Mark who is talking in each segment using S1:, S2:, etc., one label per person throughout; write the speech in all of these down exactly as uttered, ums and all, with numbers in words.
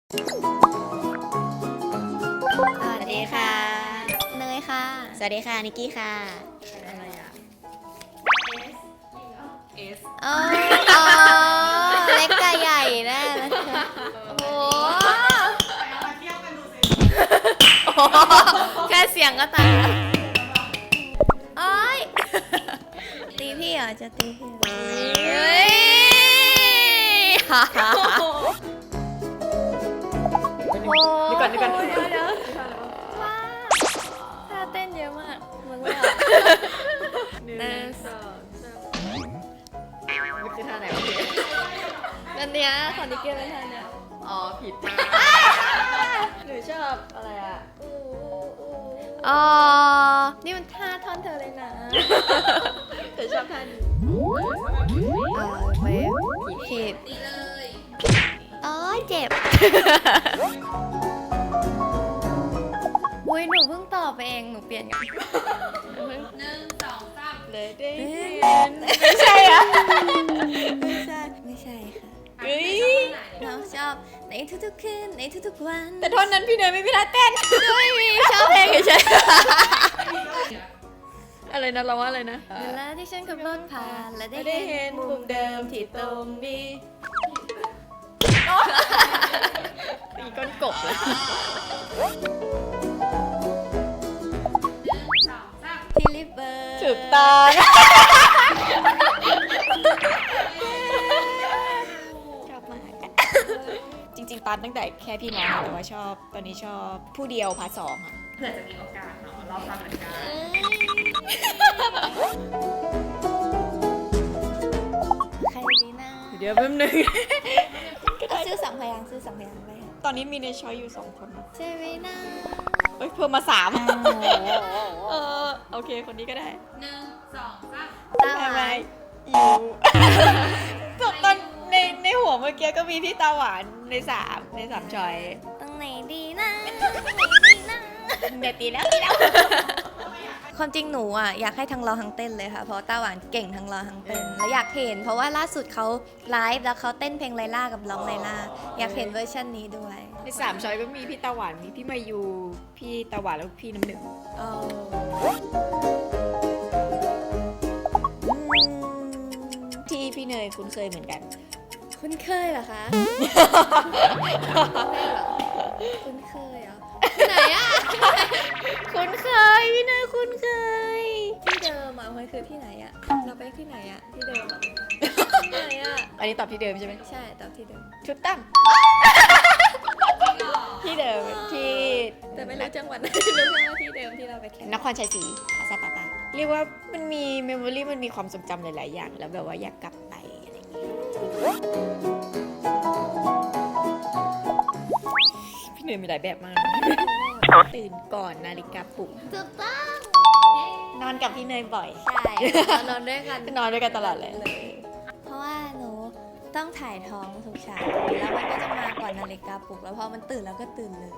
S1: สวัสดีค่ะเนยค่ะ
S2: สวัสดีค่ะนิกกี้ค่ะ
S1: อะไรอ่ะ
S3: S
S1: อ๋ออ๋อเล็กกับใหญ่แน่เลยโอ้โหแค่เสียงก็ตายโอ๊ยตีพี่เหรอจะตีพี่เหรอเฮ้ยฮ่าฮ่าฮ่าโอ้
S3: นี่ก่อนนี่ก่อน
S1: เดี๋ยวเดี๋ยวว้าวท่าเต้นเยอะมากมึงไม่ออก
S3: หนึ่งสองสามมันคือท่าไหนวะพี่
S1: อันเนี้ยของนิกเกิลเป็นท่าเนี้ย
S3: อ๋อผิดท่าหนูชอบอะไรอ่ะ
S1: อ๋อ นี่มันท่าท่อนเธอเลยนะ
S3: หนูชอบท่านี้
S1: เออไม่ผิดอ๋อเจ็บ อุ้ยหนูเพิ่งตอบไปเอง หนูเปลี่ยนกันหนูเพิ่ง
S3: หนึ่งสองสามเลยได้
S1: เอ้
S3: เห็
S1: ย
S3: นไม่ใช่อ่ะ
S1: ไม่ใช่ ไม่ใช่ค่ะ
S3: เฮ้ย
S1: เราชอบในทุกๆคืนในทุกๆวัน
S3: แต่ท่อนนั้นพี่เนยไม่มีท่าเต้น
S1: ไม่มีชอบเพลงเฉย
S3: อะไรนะเราว่าอะไรนะ
S1: ๆเวลาที่ฉันขับรถผ่านและได้
S3: ได้
S1: เห็
S3: เห็
S1: น
S3: น
S1: มุ
S3: มุ
S1: ม
S3: ม
S1: เดิ
S3: เดิ
S1: ม
S3: ม
S1: ที่
S3: ที่
S1: ต
S3: ต
S1: ร
S3: รง ง
S1: นี้
S3: นี้ตีก้นกบเลย
S1: ที่ลิเบอร์
S3: ถูกต้อง ชอบมากอะจริงๆตอนตั้งแต่แค่พี่น้องแต่ว่าชอบตอนนี้ชอบผู้เดียวพาร์ทสองค่ะ
S4: เผื่อจะมีโอกาสเนาะเราฟังเหมือนกัน
S1: ใครดีนะ
S3: เดี๋ยวแป๊บนึง
S1: เอาซื้อสองพยางค์ซื้อสองพยางค์ไปค่ะ
S3: ตอนนี้มีในช้อยอยู่สองคน
S1: ใช่ไหมนะ
S3: เอ้ยเพิ่มมาสาม
S1: อ้าว
S3: เออโอเคคนนี้ก็ได้
S4: หนึ่งสองสาม
S1: ตาห
S3: ไม่
S1: วา
S3: ไม่
S1: น
S3: อยู่ จบตอนในในหัวเมื่อกี้ก็มีพี่ตาหวานในสามในสามช้อย
S1: ตรงไหนดีนะตรงไหนดีนะ
S3: เดี๋ยวตีแล้วตีแล้ว
S1: ความจริงหนูอ่ะอยากให้ทั้งร้องทั้งเต้นเลยค่ะเพราะต้าหวานเก่งทั้งร้องทั้งเต้นแล้วอยากเห็น เพราะว่าล่าสุดเขาไลฟ์แล้วเขาเต้นเพลงไลล่ากับร้องไลล่าอยากเห็นเวอร์ชันนี้ด้วย
S3: ในสามช้อยก็มีพี่ตาหวานมีพี่มายูพี่ตาหวานแล้วก็พี่น้ำหนึ่ง
S1: อ๋ออืม
S3: ที่พี่เนยคุ้นเคยเหมือนกัน
S1: คุ้นเคยเหรอคะคุ้นเคยเหรอไหนอ่ะ
S3: คุ้นเคยพี่เนยคุ้นเคย
S1: ที่เดิมอ่ะมันคือที่ไหนอ่ะเราไปที่ไหนอ่ะที่เดิมอ่ะที่ไหนอ่ะ
S3: อันนี้ตอบที่เดิมใช่ไหม
S1: ใช่ตอบที่เดิม
S3: ชุดตั้งที่เดิมที่
S1: แต่ไม่รู้จังหวัดไหนรู้แค่ว่าที่เดิมที่เราไปแข่ง
S3: นครชัยศรีคาซาปาตาเรียกว่ามันมีเมมโมรี่มันมีความทรงจำหลาย ๆ อย่าง แล้วแบบว่าอยากกลับไปอะไรอย่างเงี้ยพี่เนยมีหลายแบบมาก ตื่นก่อนนาฬิกาปลุก
S1: ถูกต้อง
S3: นอนกับพี่เนยบ่อย
S1: ใช่เรานอนด้วยกัน
S3: นอนด้วยกันตลอดเลย
S1: เพราะว่าหนูต้องถ่ายท้องทุกเช้าแล้วมันก็จะมาก่อนนาฬิกาปลุกแล้วพอมันตื่นแล้วก็ตื่นเลย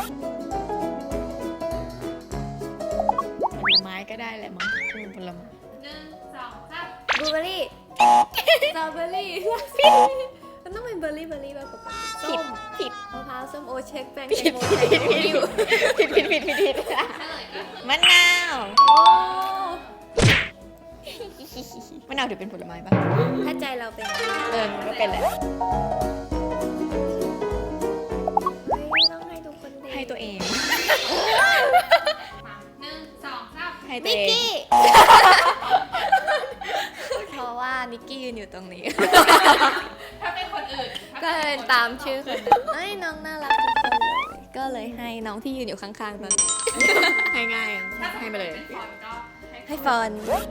S3: ผลไม้ก็ได้แหละมั้งอืมผลไม้
S4: หนึ่งสองสาม
S1: บลูเบอร์รี่สตรอเบอร์รี่มันต้องเป็นเบอร์รี่เบอร์รี่แบบปกติ
S3: ผิด
S1: ส้ม
S3: ผิด
S1: มะพร้าวส้มโอเช็คแป้ง
S3: ผิ
S1: แต
S3: ด
S1: งโม
S3: ผิด
S1: แตง
S3: ผิด
S1: โม
S3: ผิดผิดผิดผิดผิดผิด
S4: เฉลยกัน
S3: มะนาว
S1: โอ้
S3: มะนาวถือเป็นผลไม้ปะ
S1: ถ้าใจเราเป็น
S3: เออมันก็เป็นแหละ
S1: เฮ้ยต้องให้ทุกคนดี
S3: ให้ตัวเอง
S4: มาหนึ่งสองสาม
S3: ให้ตัว
S1: นิก
S3: เอง
S1: กี้ เพราะว่านิกกี้ยืนอยู่ตรงนี้
S4: ถ้าเป็นคนอื่น
S1: ก็เลยตามชื่อคนนั้นเอ้ยน้องน่ารักทุกคนเลย ก็เลยให้น้องที่ยืนอยู่ข้างๆตอนนี้
S3: ให้ง่ายอะให้ไปเลย
S4: ฟอนก็
S1: ให้ฟอน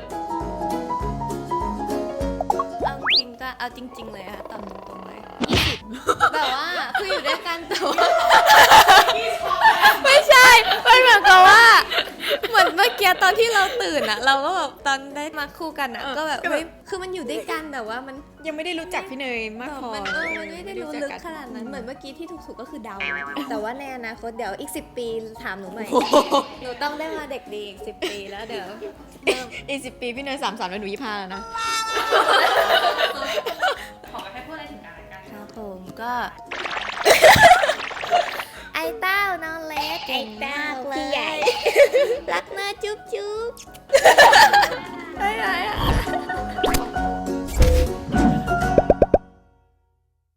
S1: เอาจริงก็เอาจริง ๆ เลยค่ะตอบตรงๆเลยยี่สิบแบบว่าคืออยู่ด้วยกันแต่ว่าไม่ใช่ มันเหมือนกับว่า เหมือนเมื่อกี้ตอนที่เราตื่นอะเราก็แบบตอนได้มาคู่กันอะ
S3: เออ
S1: ก็แบบ
S3: ก็แบบ
S1: เฮ้ยคือมันอยู่ด้วยกันแต่ว่ามัน
S3: ยังไม่ได้รู้จักพี่เนยมากพอ
S1: มันเออมันไม่ได้รู้ลึกขนาดนั้น เหมือนเมื่อกี้ที่ถูกๆก็คือเดา แต่ว่าในอนาคตเดี๋ยวอีกสิบปีถามหนูใหม่ หนูต้องได้มาเด็กดีอีกสิบปีแล้วเดี๋ยวเริ่ม
S3: อีกสิบปีพี่เนยสามสามแล้วหนูยี่ห้าแล้วนะ
S4: ขอให้พูดอะไรถึงกันและกัน
S1: ครับผมก็มากเลย
S3: พี่ใหญ่
S1: รักนะจุ๊บจุ๊บ
S3: บ๊ายบาย